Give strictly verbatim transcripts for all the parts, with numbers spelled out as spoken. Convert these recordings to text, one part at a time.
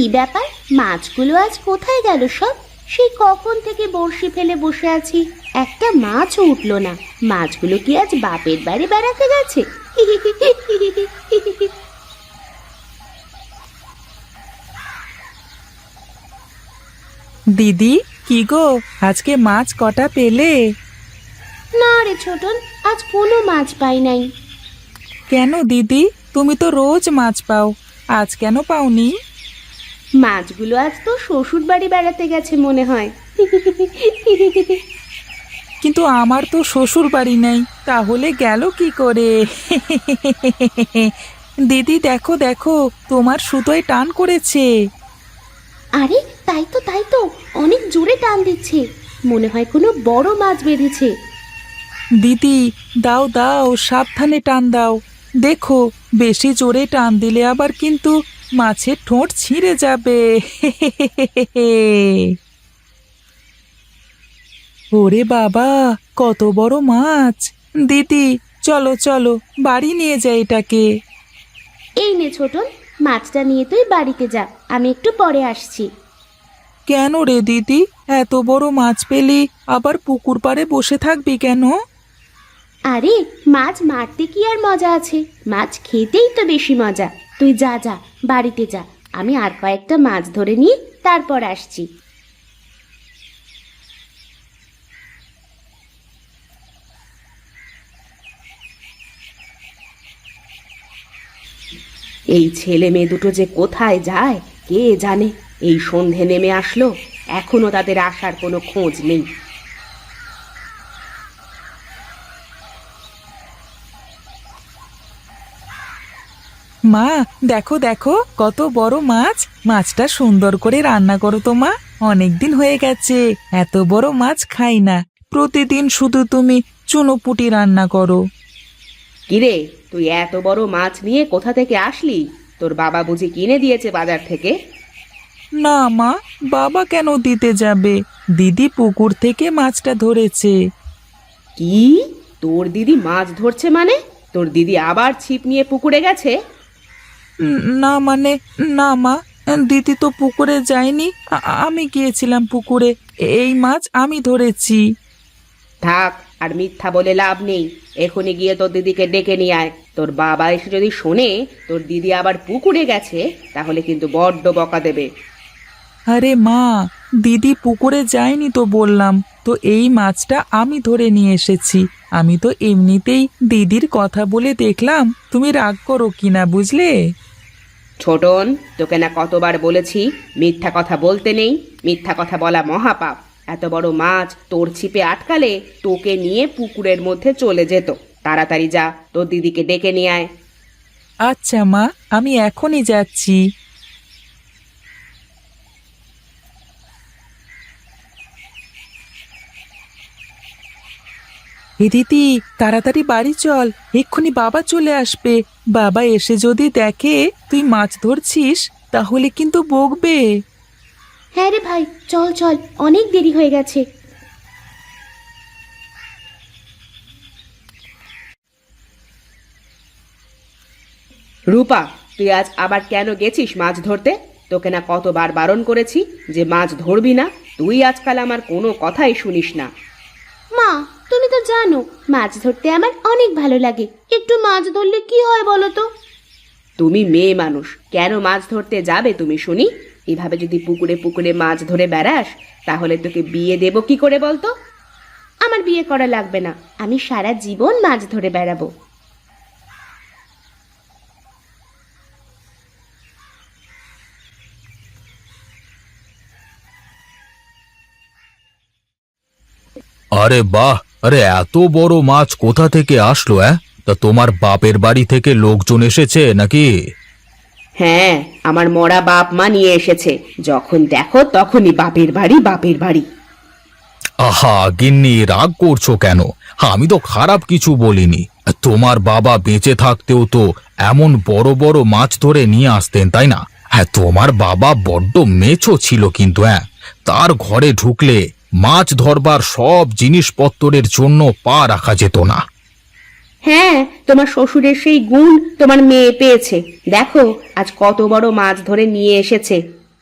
ব্যাপার, মাছগুলো আজ কোথায় গেল সব? সেই কখন থেকে বড়শি ফেলে বসে আছি, একটা মাছও উঠলো না। মাছগুলো কি আজ বাপের বাড়ি বেড়াতে গেছে? দিদি, কি গো, আজকে মাছ কটা পেলে? না রে ছোটন, আজ কোনো মাছ পাই নাই। কেন দিদি, তুমি তো রোজ মাছ পাও, আজ কেন পাওনি? মাছগুলো আজ তো শ্বশুর বাড়ি বেড়াতে গেছে মনে হয়। কিন্তু আমার তো শ্বশুর বাড়ি নেই, তাহলে গেল কি করে? দিদি দেখো দেখো, তোমার সুতোয় টান করেছে। আরে তাই তো তাই তো, অনেক জোরে টান দিচ্ছে, মনে হয় কোনো বড় মাছ বেঁধেছে। দিদি দাও দাও, সাবধানে টান দাও, দেখো বেশি জোরে টান দিলে আবার কিন্তু মাছের ঠোঁট ছিঁড়ে যাবে। ওরে বাবা, কত বড় মাছ! দিদি চলো চলো, বাড়ি নিয়ে যাই এটাকে। এই নে ছোটন, মাছটা নিয়ে তুই বাড়িতে যা, আমি একটু পরে আসছি। কেন রে দিদি, এত বড় মাছ পেলি আবার পুকুর পাড়ে বসে থাকবি কেন? আরে মাছ মারতে কি আর মজা আছে, মাছ খেতেই তো বেশি মজা। তুই যা যা, বাড়িতে যা, আমি আর কয়েকটা মাছ ধরে নিয়ে তারপর আসছি। এই ছেলে মেয়ে দুটো যে কোথায় যায় কে জানে। এই সন্ধে নেমে আসলো, এখনো তাদের আসার কোনো খোঁজ নেই। মা দেখো দেখো, কত বড় মাছ! মাছটা সুন্দর করে রান্না করো তো মা, অনেকদিন হয়ে গেছে এত বড় মাছ খাই না। প্রতিদিন শুধু তুমি চুনোপুটি রান্না করো। কিরে, তুই এত বড় মাছ নিয়ে কোথা থেকে আসলি? তোর বাবা বুঝি কিনে দিয়েছে বাজার থেকে? না মা, বাবা কেন দিতে যাবে, দিদি পুকুর থেকে মাছটা ধরেছে। কি? তোর দিদি মাছ ধরছে মানে? তোর দিদি আবার ছিপ নিয়ে পুকুরে গেছে? উম, না মানে, না মা, দিদি তো পুকুরে যায়নি, আ- আমি গিয়েছিলাম পুকুরে, এই মাছ আমি ধরেছি। থাক, আর মিথ্যা বলে লাভ নেই। এখনই গিয়ে তোর দিদিকে ডেকে নিয়ে আয়। তোর বাবা এসে যদি শোনে তোর দিদি আবার পুকুরে গেছে, তাহলে কিন্তু বড্ড বকা দেবে। আরে মা, দিদি পুকুরে যায়নি তো বললাম, তো এই মাছটা আমি ধরে নিয়ে এসেছি। আমি তো এমনিতেই দিদির কথা বলে দেখলাম, তুমি রাগ করো কিনা বুঝলে। ছোটন, তোকে না কতবার বলেছি মিথ্যা কথা বলতে নেই, মিথ্যা কথা বলা মহাপাপ। এত বড় মাছ তোর ছিপে আটকালে তোকে নিয়ে পুকুরের মধ্যে চলে যেত। তাড়াতাড়ি যা, তোর দিদিকে ডেকে নিয়ে আয়। আচ্ছা মা, আমি এখনই যাচ্ছি। এ দিদি, তাড়াতাড়ি বাড়ি চল, এক্ষুনি বাবা চলে আসবে। বাবা এসে যদি দেখে তুই মাছ ধরছিস তাহলে কিন্তু বকবে। হ্যাঁ রে ভাই, চল চল, অনেক দেরি হয়ে গেছে। রূপা, তুই আজ আবার কেন গেছিস মাছ ধরতে? তোকে না কতবার বারণ করেছি যে মাছ ধরবি না। তুই আজকাল আমার কোনো কথাই শুনিস না। মা, তুমি তো জানো মাছ ধরতে আমার অনেক ভালো লাগে, একটু মাছ ধরলে কি হয় বলো তো? তুমি মেয়ে মানুষ, কেন মাছ ধরতে যাবে তুমি শুনি? এভাবে যদি পুকুরে পুকুরে মাছ ধরে বেড়াস, তাহলে তোকে বিয়ে দেব কি করে বলতো? আমার বিয়ে করা লাগবে না, আমি সারা জীবন মাছ ধরে বেড়াবো। আরে বাহ! আরে এত বড় মাছ কোথা থেকে আসলো? হ্যাঁ, তা তোমার বাপের বাড়ি থেকে লোকজন এসেছে নাকি? হ্যাঁ, আমার মরা বাপ মা নিয়ে এসেছে, যখন দেখো তখনই বাপের বাড়ি বাপের বাড়ি। আহা গিন্নি, রাগ করছো কেন? আমি তো খারাপ কিছু বলিনি। তোমার বাবা বেঁচে থাকতেও তো এমন বড় বড় মাছ ধরে নিয়ে আসতেন, তাই না? হ্যাঁ, তোমার বাবা বড্ড মেছো ছিল, কিন্তু হ্যাঁ, তার ঘরে ঢুকলে মাছ ধরবার সব জিনিসপত্রের জন্য পা রাখা যেত না। হ্যাঁ, তোমার শ্বশুরের সেই গুণ তোমার মেয়ে পেয়েছে। দেখো আজ কত বড় মাছ ধরে নিয়ে এসেছে।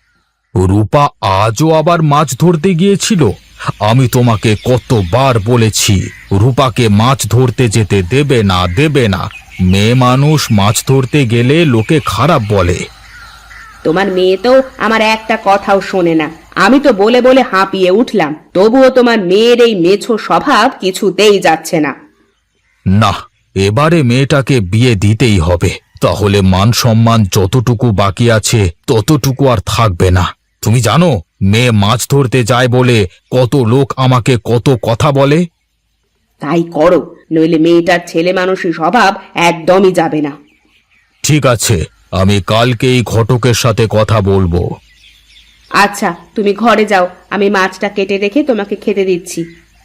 রূপা আজও আবার মাছ ধরতে গিয়েছিল? আমি তোমাকে কতবার বলেছি রূপাকে মাছ ধরতে যেতে দেবে না দেবে না। মেয়ে মানুষ মাছ ধরতে গেলে লোকে খারাপ বলে। তোমার মেয়ে তো আমার একটা কথাও শোনে না। আমি তো বলে বলে হাঁপিয়ে উঠলাম, তবুও তোমার মেয়ের এই মেছো স্বভাব কিছুতেই যাচ্ছে না। না, এবারে মেয়েটাকে বিয়ে দিতেই হবে, তাহলে মান সম্মান যতটুকু বাকি আছে ততটুকু আর থাকবে না। তুমি জানো মেয়ে মাছ ধরতে যায় বলে কত লোক আমাকে কত কথা বলে? তাই করো, নইলে মেয়েটার ছেলে মানুষের স্বভাব একদমই যাবে না। ঠিক আছে, আমি কালকেই ঘটকের সাথে কথা বলবো। আচ্ছা, তুমি ঘরে যাও, আমি মাছটা কেটে রেখে তোমাকে খেতে দিচ্ছি।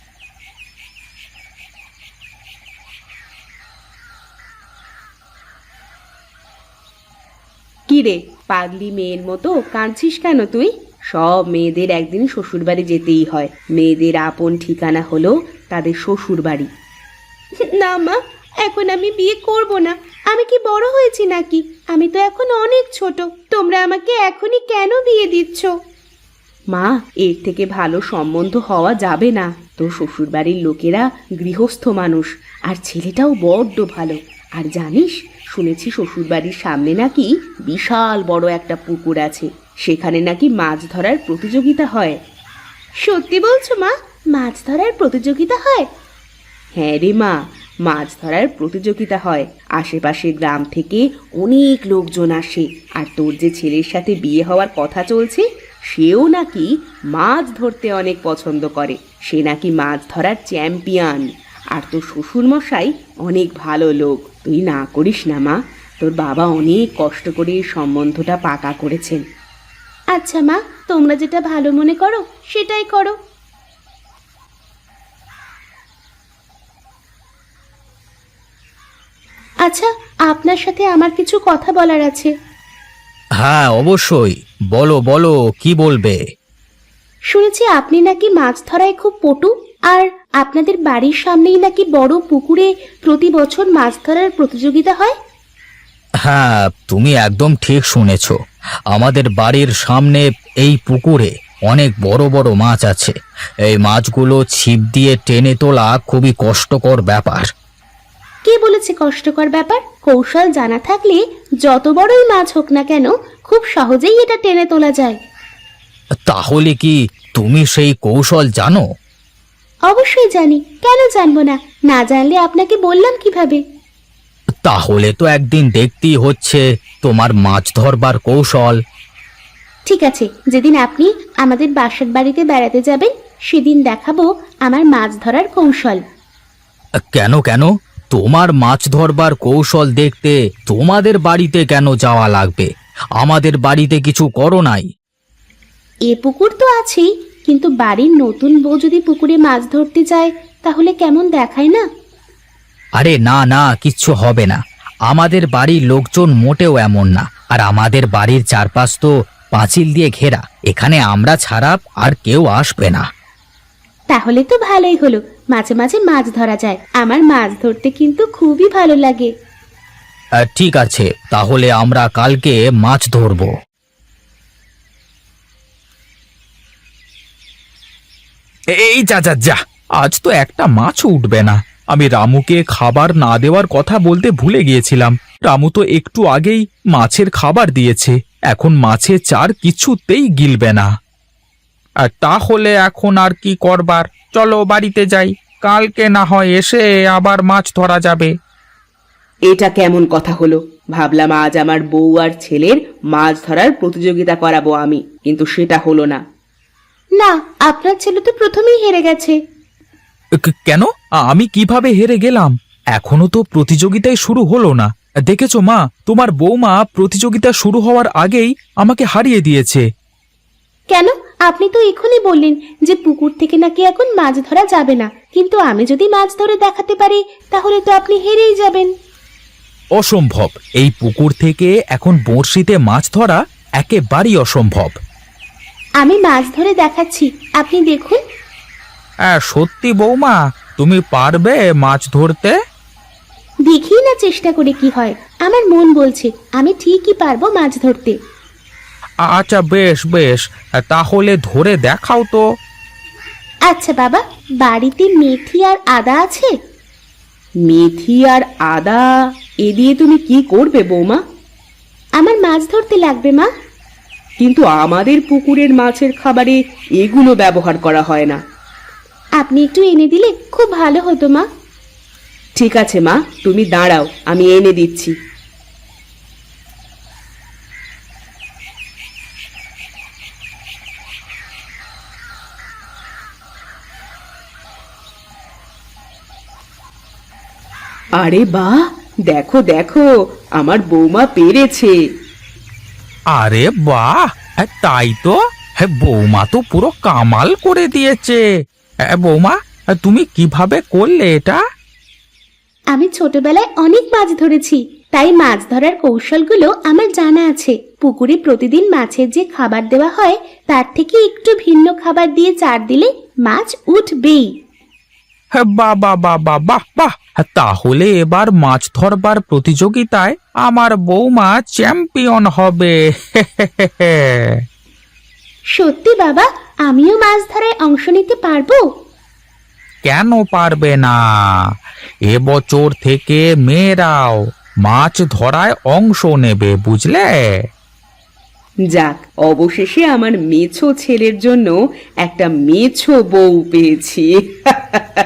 কি রে, পাগলি মেয়ের মতো কাঁদছিস কেন তুই? সব মেয়েদের একদিন শ্বশুরবাড়ি যেতেই হয়। মেয়েদের আপন ঠিকানা হলো তাদের শ্বশুরবাড়ি। না মা, এখন আমি বিয়ে করব না। আমি কি বড় হয়েছি নাকি? আমি তো এখন অনেক ছোট। তোমরা আমাকে এখনই কেন বিয়ে দিচ্ছ? মা, এর থেকে ভালো সম্বন্ধ হওয়া যাবে না। তোর শ্বশুরবাড়ির লোকেরা গৃহস্থ মানুষ, আর ছেলেটাও বড্ড ভালো। আর জানিস, শুনেছি শ্বশুরবাড়ির সামনে নাকি বিশাল বড় একটা পুকুর আছে, সেখানে নাকি মাছ ধরার প্রতিযোগিতা হয়। সত্যি বলছো মা? মাছ ধরার প্রতিযোগিতা হয়? হ্যাঁ রে মা, মাছ ধরার প্রতিযোগিতা হয়। আশেপাশের গ্রাম থেকে অনেক লোকজন আসে। আর তোর যে ছেলের সাথে বিয়ে হওয়ার কথা চলছে, সেও নাকি মাছ ধরতে অনেক পছন্দ করে। সে নাকি মাছ ধরার চ্যাম্পিয়ন। আর তোর শ্বশুরমশাই অনেক ভালো লোক। তুই না করিস না মা, তোর বাবা অনেক কষ্ট করে এই সম্বন্ধটা পাকা করেছেন। আচ্ছা মা, তোমরা যেটা ভালো মনে করো সেটাই করো। আচ্ছা, আপনার সাথে আমার কিছু কথা বলার আছে। হ্যাঁ অবশ্যই, বলো বলো, কি বলবে? শুনেছি আপনি নাকি মাছ ধরায় খুব পটু, আর আপনাদের বাড়ির সামনেই নাকি বড় পুকুরে প্রতি বছর মাছ ধরার প্রতিযোগিতা হয়। হ্যাঁ, তুমি একদম ঠিক শুনেছ। আমাদের বাড়ির সামনে এই পুকুরে অনেক বড় বড় মাছ আছে। এই মাছগুলো ছিপ দিয়ে টেনে তোলা খুবই কষ্টকর ব্যাপার। কে বলেছে কষ্টকর ব্যাপার? কৌশল জানা থাকলে যত বড়ই মাছ হোক না কেন, খুব সহজেই এটা টেনে তোলা যায়। তাহলে কি তুমি সেই কৌশল জানো? অবশ্যই জানি, কেন জানবো না? না জানলে আপনাকে বললাম কিভাবে? তাহলে তো একদিন দেখতেই হচ্ছে তোমার মাছ ধরবার কৌশল। ঠিক আছে, যেদিন আপনি আমাদের বাসার বাড়িতে বেড়াতে যাবেন সেদিন দেখাবো আমার মাছ ধরার কৌশল। কেন কেন? তোমার মাছ ধরবার কৌশল দেখতে তোমাদের বাড়িতে কেন যাওয়া লাগবে? আমাদের বাড়িতে কিছু করো নাই? এ পুকুর তো আছেই, কিন্তু বাড়ির নতুন বউ যদি পুকুরে মাছ ধরতে যায় তাহলে কেমন দেখায় না? আরে না না, কিচ্ছু হবে না। আমাদের বাড়ির লোকজন মোটেও এমন না। আর আমাদের বাড়ির চারপাশ তো পাঁচিল দিয়ে ঘেরা, এখানে আমরা ছাড়া আর কেউ আসবে না। তাহলে তো ভালোই হলো, মাঝে মাঝে মাছ ধরা যায়। আমার মাছ ধরতে কিন্তু খুবই ভালো লাগে। আহ, ঠিক আছে, তাহলে আমরা কালকে মাছ ধরবো। এই যা যা যা, আজ তো একটা মাছও উঠবে না। আমি রামুকে খাবার না দেওয়ার কথা বলতে ভুলে গিয়েছিলাম। রামু তো একটু আগেই মাছের খাবার দিয়েছে, এখন মাছের চার কিছুতেই গিলবে না। আর তাহলে এখন আর কি করবার? চলো বাড়িতে যাই, কালকে না হয় এসে আবার মাছ ধরা যাবে। এটা কেমন কথা হলো? ভাবলাম আজ আমার বউ আর ছেলের মাছ ধরার প্রতিযোগিতা করাবো আমি, কিন্তু সেটা হলো না। না, আপনার ছেলে তো প্রথমেই হেরে গেছে। ক- কেন? আমি কিভাবে হেরে গেলাম? এখনো তো প্রতিযোগিতাই শুরু হলো না। দেখেছো মা, তোমার বৌমা প্রতিযোগিতা শুরু হওয়ার আগেই আমাকে হারিয়ে দিয়েছে। কেন? আপনি তো এখনই বললেন যে পুকুর থেকে নাকি এখন মাছ ধরা যাবে না, কিন্তু আমি যদি মাছ ধরে দেখাতে পারি তাহলে তো আপনি হেরেই যাবেন। অসম্ভব, এই পুকুর থেকে এখন বড়শিতে মাছ ধরা একেবারেই অসম্ভব। আমি মাছ ধরে দেখাচ্ছি, আপনি দেখুন। হ্যাঁ সত্যি বৌমা, তুমি পারবে মাছ ধরতে? দেখি না চেষ্টা করে কি হয়। আমার মন বলছে আমি ঠিকই পারবো মাছ ধরতে। আচ্ছা বেশ বেশ, তাহলে ধরে দেখাও তো। আচ্ছা বাবা, বাড়িতে মেথি আর আদা আছে? মেথি আর আদা এ দিয়ে তুমি কি করবে বৌমা? আমার মাছ ধরতে লাগবে মা। কিন্তু আমাদের পুকুরের মাছের খাবারে এগুলো ব্যবহার করা হয় না। আপনি একটু এনে দিলে খুব ভালো হতো মা। ঠিক আছে মা, তুমি দাঁড়াও, আমি এনে দিচ্ছি। আরে বাহ, দেখো দেখো, আমার বৌমা পেরেছে। আরে বাহ, তাই তো, হ্যাঁ বৌমা তো পুরো কামাল করে দিয়েছে। হ্যাঁ, বৌমা তুমি কিভাবে করলে এটা? আমি ছোটবেলায় অনেক মাছ ধরেছি, তাই মাছ ধরার কৌশলগুলো আমার জানা আছে। পুকুরে প্রতিদিন মাছের যে খাবার দেওয়া হয় তার থেকে একটু ভিন্ন খাবার দিয়ে চার দিলে মাছ উঠবেই। হ্যাঁ বাহ বাহ বাহ বাহ বাহ বাহ, তাহলে এবার মাছ ধরবার প্রতিযোগিতায় আমার বৌমা চ্যাম্পিয়ন হবে। সত্যি বাবা, আমিও মাছ ধরায় অংশ নিতে পারবো? কেন পারবে না? এবছর থেকে মেয়েরাও মাছ ধরায় অংশ নেবে, বুঝলে? যাক, অবশেষে আমার মেছো ছেলের জন্য একটা মেছো বউ পেয়েছি।